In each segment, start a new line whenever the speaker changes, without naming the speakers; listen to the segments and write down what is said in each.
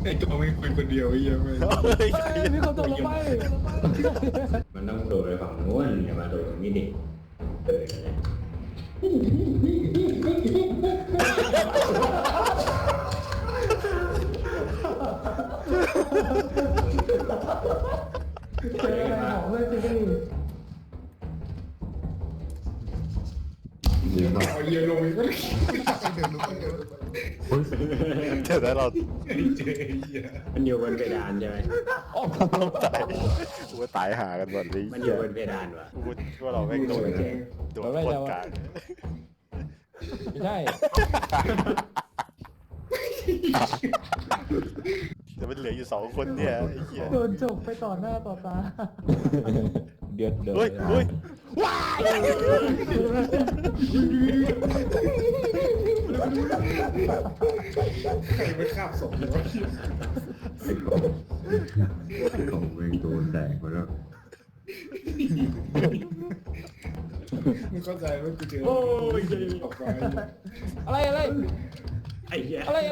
ไอ้ตัวไม่คุยคนเดียวไอ้เหี้ยไม่
เฮ้ย
มีคนตกลงไป
มันต้องโดดไปฝั่งนู้นอย่ามาโดดตรงนี้ดิเออนั่นแหละ
เจออะไรของเลยจริง
เดี๋ยวเอาเหี้ยลงอีกก็เดินลงไปเดินลงไป
เดี๋ยวนะเรา
ไอ้เจ๊ไอ้เหี้ย
มันอยู่บนเพดานใช่ไหม
ต้องตายกูว่าตายหากันหมดเลย
มันอยู่บนเพดานวะ
กูว่าเราแม่งโดนโดนโคตรกลาง
ไม่ใช่
แต่มันเหลืออยู่2 คนเนี่ยไอ้เหี้ย
โดนจกไปต่อหน้าต่อตา
เดือดเดือด
เฮ้ยเฮ้ย
ใครไม่คาบศพเลยวะ
ของเวงโดนแดกไปแล้ว
มึงเข้าใจว่ากูเจอออกไป
อะไร
ไอ้เหี้ย
อะไร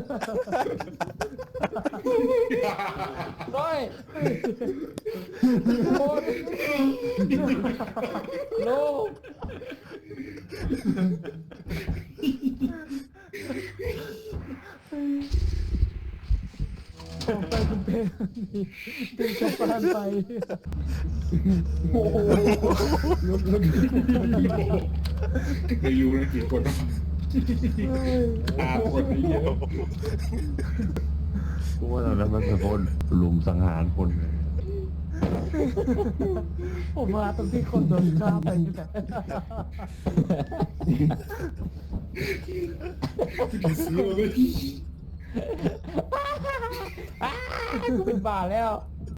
ร้อยโอนโลผมไปคุณเป็นดึงจากบ้านไปโอ้โห
เดี๋ยวอยู่ในกี่คนวะคนไอ้เหี้ย
กูว่าตอนนั้นมันเป็นคนลุมสังหารคนเลย
ผมมาตรงที่คนโดนฆ่าไปนี่แหละ
ซื้อมาเลย
กูเป็นบ้าแล้ว